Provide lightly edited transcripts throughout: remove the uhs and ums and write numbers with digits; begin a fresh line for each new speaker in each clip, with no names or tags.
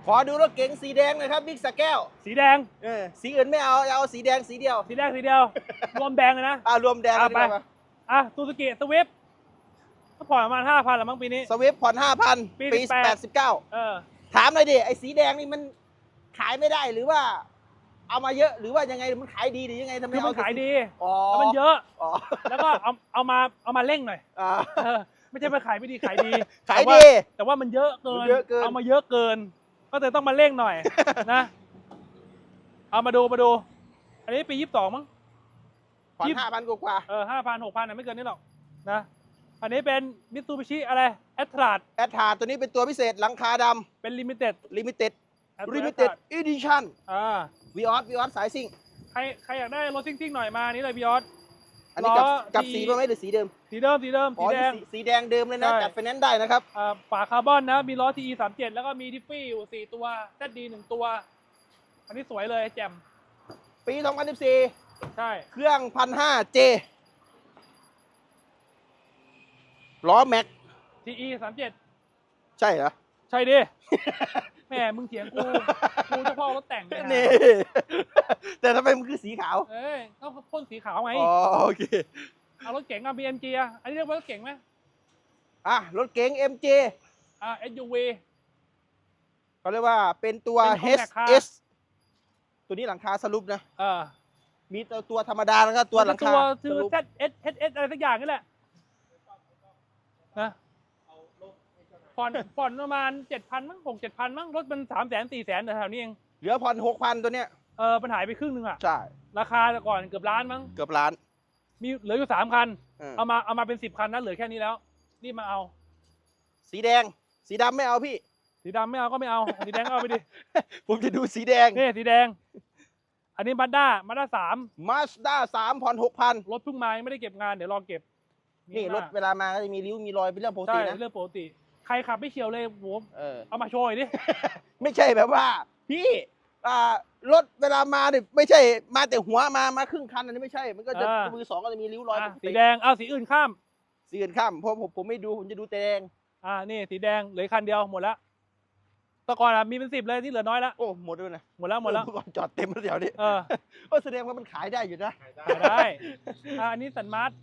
ขอดูรถเก๋งสีแดงหน่อยครับบิ๊กสแก้ว
สีแดง
สีอื่นไม่เอาเอาสีแดงสีเดียว
สีแดงรวมแดงเลยนะ
รวมแดง
ไปซูซูกิสวิฟก็ผ่อนประมาณ 5,000ละมั้งปีนี้
สวิฟผ่อน 5,000 ปี 89ถามหน่อยดิไอ้สีแดงนี่มันขายไม่ได้หรือว่าเอามาเยอะหรือว่ายังไงมันขายดีหรือยังไงทำไม
มันขายดี
แล้ว
มันเยอะแล้วก็เอามาเร่งหน่อยไม่ใช่มาขายไม่ดีขายดีแต่ว่ามันเยอะเกินเอามาเยอะเกินก็เลยต้องมาเร่งหน่อยนะเอามาดูอันนี้ปี22มั้ง
ผ่อน 5,000 กว่า
5,000 6,000ไม่เกินนี้หรอกนะอันนี้เป็นมิตซูบิชิอะไรแอตทรา
ตัวนี้เป็นตัวพิเศษหลังคาดำ
เป็นลิมิเต็ด
อีดิชั่นวีออสสายซิ่ง
ใครอยากได้รถซิ่งหน่อยมานี่เลยวีออส
อันนี้กับสีป่ะไหมหรือสีเดิม
สีแดงสีแ
ดงเดิมเลยนะจัดไฟแนนซ์ได้นะครับ
ฝาคาร์บอนนะมีล้อ TE 37แล้วก็มีทิฟฟี่อยู่4ตัว ZD 1ตัวอันนี้สวยเลยแจ่ม
ปี2014
ใช่
เครื่อง 1,500J ล้อแม็ก
TE 37
ใช่เหรอ
ใช่ดิแม่มึงเถียงกูเฉพาะรถแต่ง
นี่แต่ทำไมมันคือสีขาว
ก็พ่นสีขาวไง
โอเค
เอารถเก๋งเอาBMGอันนี้เรียกว่ารถเก๋งไหม
รถเก๋ง MG
SUV
เขาเรียกว่าเป็นตัว HS ตัวนี้หลังคาสรุปนะมีตัวธรรมดาแล้วก็ตัวหลังคา
คือ ZS อะไรสักอย่างนี่แหละนะผ่อนประมาณ 7,000 มั้ง 6-7,000 มั้งรถมัน 300,000-400,000แถวนี้เอง
เหลือผ่อน 6,000 ตัวเนี้ย
มันหายไปครึ่งนึงอ่ะ
ใช่
ราคาแต่ก่อนเกือบล้านมั้ง
เกือบล้าน
มีเหลืออยู่3 คันเอามาเป็น10 คันนะเหลือแค่นี้แล้วรีบมาเอา
สีแดงสีดำไม่เอาพี่
สีดำไม่เอาก็ไม่เอาสีแดงเอาไปดิ
ผมจะดูสีแดง
นี่สีแดงอันนี้มาด้า
3ผ่อน 6,000
รถเพิ่งมาไม่ได้เก็บงานเดี๋ยวรอเก็บ
นี่รถเวลามาก็จะมีริ้วมีรอยเป็นเรื่องปกตินะ
เรื่องปกติใครขับไม่เฉียวเลยโหเอามาโชว์ดิ
ไม่ใช่แบบว่าพี่รถเวลามาเนี่ยไม่ใช่มาแต่หัวมาครึ่งคันอันนี้ไม่ใช่มันก็จะมือสองก็จะมีริ้วรอย
สีแดงเอาสีอื่นข้าม
เพราะผมไม่ดูผมจะดูแต่แดง
นี่สีแดงเหลือคันเดียวหมดแล้วตะกอนมีเป็น10เลยที่เหลือน้อยแล้ว
โอ้หมดด้วยนะ
หมดแล้ว
จอดเต็มแล้วเดี๋ยวนี้แสดงว่ามันขายได้อยู่นะ
ขายได้อันนี้สันมาร์ท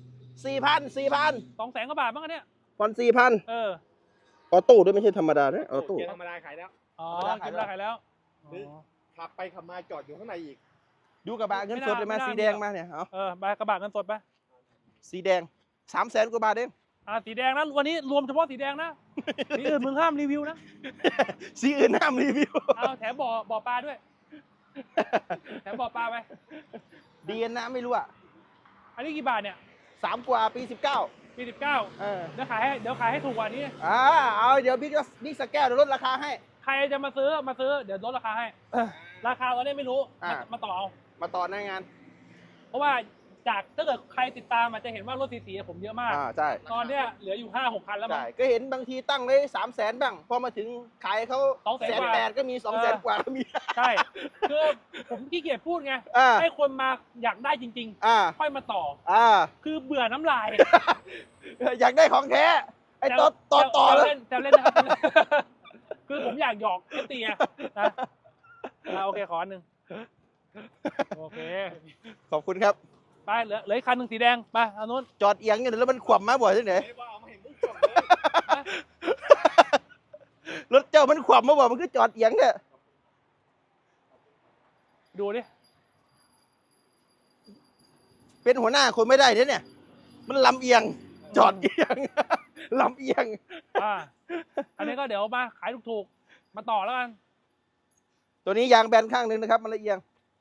4,000
200,000 กว่าบาทบ้างเนี่ย
ผ่อน 4,000ออโต้ด้วยไม่ใช่ธรรมดานะออโต้
ธรรมดาขายแล้ว
ธรรมดาขายแล้ว
หรือขับไปขับมาจอดอยู่ข้างในอีก
ดูกระบะเงินสดเลยมาสีแดงมาเนี่ย
กระบะเงินสดไป
สีแดง300,000 กว่าบาทเอง
สีแดงนะวันนี้รวมเฉพาะสีแดงนะสีอื่นมึงห้ามรีวิวนะ
สีอื่นห้ามรีวิว
แถมบ่อปลาด้วยแถมบ่อปลาไป
ดีนะไม่รู้
อันนี้กี่บาทเนี่ย
3 กว่าปี 19
เดี๋ยวขายให้ถูกกว่านี้
เอาเดี๋ยวบิ๊กสแกลเดี๋ยวลดราคาให้
ใครจะมาซื้อเดี๋ยวลดราคาให้ราคาตอนนี้ไม่รู้มาต่อเอา
มาต่อหน้างาน
เพราะว่าจากถ้าเกิดใครติดตามจะเห็นว่ารถสีผมเยอะมาก
ใช่
ตอนเนี้ยเหลืออยู่ 5-6 คันแล้วมั้ง
ก็เห็นบางทีตั้งไว้300,000บ้างพอมาถึงขายเขา180,000ก็มี200,000 กว่าก็มี
ใช่คือผมขี้เกียจพูดไงให้คนมาอยากได้จริงๆค่อยมาต่อคือเบื่อน้ำลาย
อยากได้ของแท้ไอ้ต่อ
เล่นนะครับคือผมอยากหยอกตีนะโอเคขอหนึ่งโอเค
ขอบคุณครับ
ไปเหลืออีกคันหนึ่งสีแดงไปเอานู้น
จอดเอียงอยู่แล้วมันขวบมาบ่อยที่ไหนรถเจ้ามันขวบมาบ่อยมันคือจอดเอียงเนี่ย
ดูดิ
เป็นหัวหน้าคนไม่ได้เนี่ยมันลำเอียงจอดเอียงลำเอียง
อันนี้ก็เดี๋ยวมาขายถูกๆมาต่อแล้วกัน
ตัวนี้ยางแบนข้างนึงนะครับมันละเอียง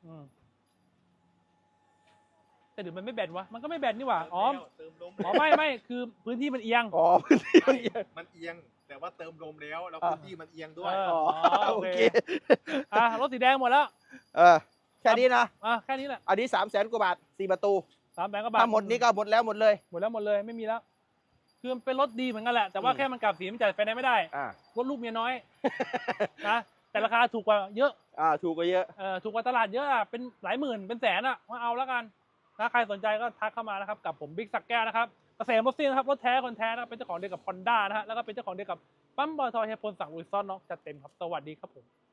แต่เดี๋ยวมันไม่แบนวะมันก็ไม่แบนนี่หว่าไม่คือพื้นที่มันเอียง
พื้นที่มันเอียง
แต่ว่าเติมลมแล้วพื้นที่มันเอียงด้วย
โอเครถสีแดงหมดแล้ว
แค่นี้นะ
แค่นี้แหละ
อันนี้300,000 กว่าบาท4 ประตู
300,000 กว่าบาท
ถ้าหมดนี้ก็หมดเลย
ไม่มีแล้วคือเป็นรถดีเหมือนกันแหละแต่ว่าแค่มันกลับสีมันจ่ายไฟแนนซ์ไม่ได้รถลูกเมียน้อยนะแต่ราคาถูกกว่าเยอะ
ถูกกว่าเยอะ
ถูกกว่าตลาดเยอะเป็นหลายหมื่นเป็นแสนมาเอาแล้วกันถ้าใครสนใจก็ทักเข้ามานะครับกับผมบิ๊กสักแก้วนะครับเกษมรถซิ่งนะครับรถแท้คนแท้นะครับเป็นเจ้าของเดียวกับ Honda นะฮะแล้วก็เป็นเจ้าของเดียวกับปั๊มปตท.เฮียพลสั่งลุยซ่อนน้องจัดเต็มครับสวัสดีครับผม